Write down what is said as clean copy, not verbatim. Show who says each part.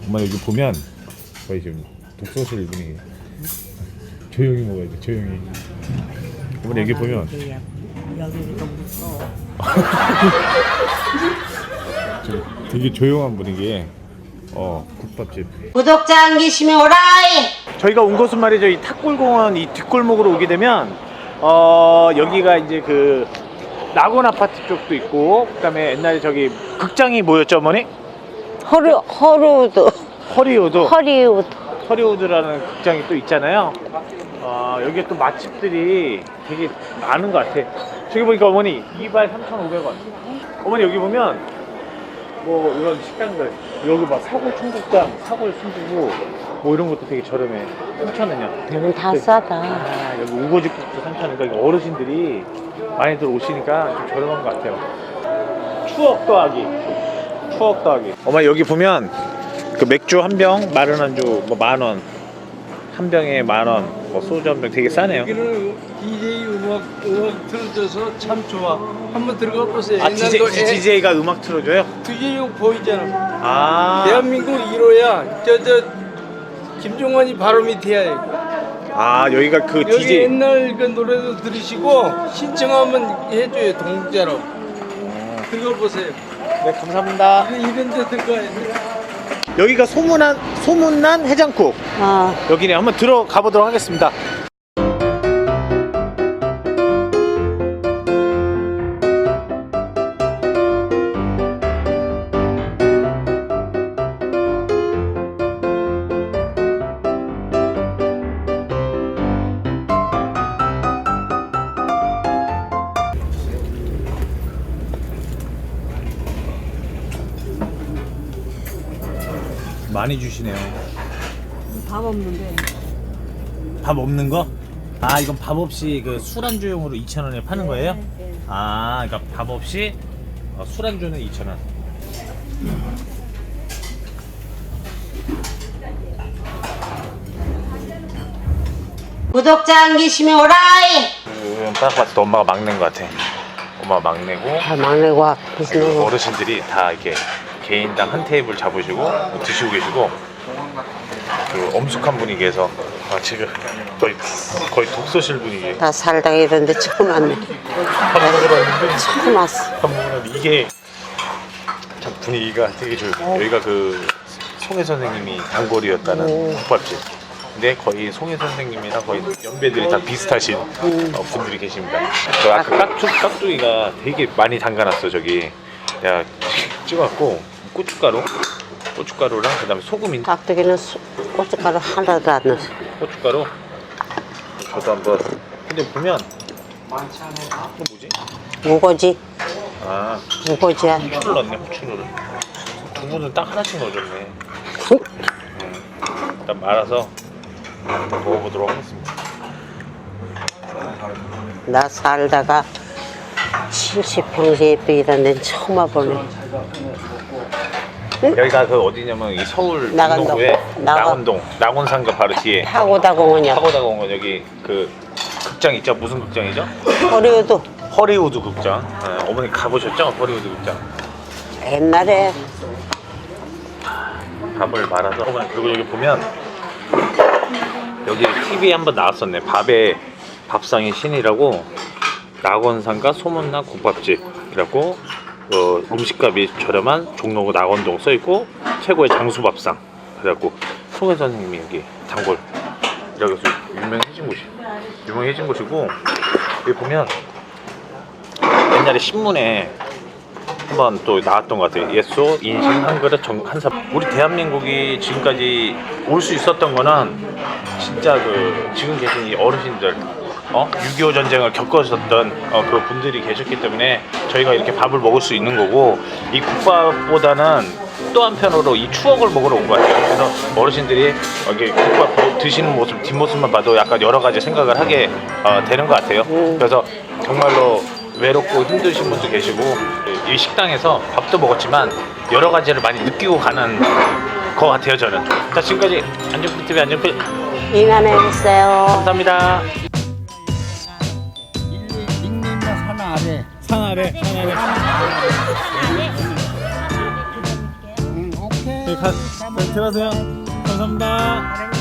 Speaker 1: 엄마 여기 보면 거의 지금 독서실 분위기. 조용히 먹어야 돼, 조용히. 어머니 여기 보면
Speaker 2: 여기는 좀 무서워.
Speaker 1: 되게 조용한 분위기에 국밥집.
Speaker 3: 구독자 안 계시면 오라이.
Speaker 4: 저희가 온 곳은 말이죠, 이 탁골공원 이 뒷골목으로 오게 되면 여기가 이제 그 낙원 아파트 쪽도 있고, 그다음에 옛날에 저기 극장이 뭐였죠, 어머니?
Speaker 2: 허리우드.
Speaker 4: 허리우드라는 극장이 또 있잖아요. 여기에 또 맛집들이 되게 많은 것 같아. 저기 보니까 어머니 2발 3,500원. 어머니 여기 보면 뭐 이런 식당들, 여기 막 사골 청국장, 사골 순두부 뭐 이런 것도 되게 저렴해. 3,000원이야.
Speaker 2: 여긴 다 싸다.
Speaker 4: 여기 우거지국도 3,000원. 그러니까 어르신들이 많이들 오시니까 좀 저렴한 것 같아요. 추억 더하기. 엄마 여기 보면 그 맥주 한 병, 마른 안주 뭐 10,000원, 한 병에 10,000원, 뭐 소주 한 병 되게 싸네요.
Speaker 5: 여기는 DJ 음악 틀어줘서 참 좋아. 한번 들어가 보세요.
Speaker 4: 아, DJ가 음악 틀어줘요?
Speaker 5: DJ 보이잖아.
Speaker 4: 아,
Speaker 5: 대한민국 1호야. 저 김종환이 바로 밑에야.
Speaker 4: 아 여기가 그
Speaker 5: 여기
Speaker 4: DJ.
Speaker 5: 옛날 그 노래도 들으시고 신청하면 해줘요. 동자로. 들어가 보세요.
Speaker 4: 네, 감사합니다.
Speaker 5: 이런 데 들어가야 돼.
Speaker 4: 여기가 소문난 해장국. 여기네. 한번 들어가 보도록 하겠습니다. 많이 주시네요.
Speaker 2: 밥 없는데.
Speaker 4: 밥 없는 거? 아, 이건 밥 없이 그 술안주용으로 2,000원에 파는 거예요?
Speaker 2: 네.
Speaker 4: 아, 그러니까 밥 없이 술안주는 2,000원.
Speaker 3: 구독자 안 계시면 오라이.
Speaker 4: 딱 봤을 때 엄마가 막내인 것 같아. 엄마가 막내고
Speaker 2: 다 막내고
Speaker 4: 그 어르신들이 다 이렇게 개인당 한 테이블 잡으시고 드시고 계시고, 그 엄숙한 분위기에서 지금 거의 독서실 분위기.
Speaker 2: 다 살다가 이런데 처음 왔네.
Speaker 4: 밥 먹으러 왔는데
Speaker 2: 처음 왔어.
Speaker 4: 밥 먹으러 왔는데 이게 참 분위기가 되게 좋아요. 여기가 그 송혜 선생님이 단골이었다는 국밥집. 근데 거의 송혜 선생님이랑 거의 연배들이 다 비슷하신 분들이 계십니다. 그 아까 깍두기가 되게 많이 담가놨어. 저기 내가 찍어갖고 고춧가루랑 그다음에 소금인.
Speaker 2: 깍두기는 고춧가루 하나도 안 넣었어.
Speaker 4: 고춧가루. 저도 한번. 근데 보면 이거 뭐지?
Speaker 2: 무고지.
Speaker 4: 아,
Speaker 2: 무고지야.
Speaker 4: 후추를 넣네. 후추를. 두부는 딱 하나씩 넣어줬네. 일단 말아서 한번 먹어보도록 하겠습니다.
Speaker 2: 나 살다가 70평생에 또 이런 데는 처음 와보네.
Speaker 4: 여기가 그 어디냐면 이 서울
Speaker 2: 낙원동.
Speaker 4: 중동구에
Speaker 2: 낙원.
Speaker 4: 낙원상가 바로 뒤에
Speaker 2: 파고다 공원이야.
Speaker 4: 파고다공원. 여기 그 극장 있죠? 무슨 극장이죠?
Speaker 2: 허리우드.
Speaker 4: 극장. 네, 어머니 가보셨죠? 허리우드 극장.
Speaker 2: 옛날에
Speaker 4: 밥을 말아서. 어머니 그리고 여기 보면 여기 TV에 한번 나왔었네. 밥상의 신이라고, 낙원상가 소문난 국밥집이라고, 음식값이 저렴한 종로구 낙원동 써있고, 최고의 장수밥상. 그래갖고 송혜 선생님이 여기 단골이라고 해서 유명해진 곳이고, 여기 보면 옛날에 신문에 한번 또 나왔던 것 같아요. 예소 인심 한 그릇 한삽. 우리 대한민국이 지금까지 올 수 있었던 거는 진짜 그 지금 계신 이 어르신들, 6.25 전쟁을 겪으셨던 그 분들이 계셨기 때문에 저희가 이렇게 밥을 먹을 수 있는 거고, 이 국밥보다는 또 한편으로 이 추억을 먹으러 온 것 같아요. 그래서 어르신들이 이렇게 국밥 드시는 모습, 뒷모습만 봐도 약간 여러 가지 생각을 하게 되는 것 같아요. 그래서 정말로 외롭고 힘드신 분도 계시고, 이 식당에서 밥도 먹었지만 여러 가지를 많이 느끼고 가는 것 같아요, 저는. 자, 지금까지 안정필TV 안정필
Speaker 2: 이만했어요.
Speaker 4: 감사합니다.
Speaker 5: 닉네임은 산 아래.
Speaker 4: 산 아래.
Speaker 5: 오케이.
Speaker 1: 자, 들어가세요. 감사합니다.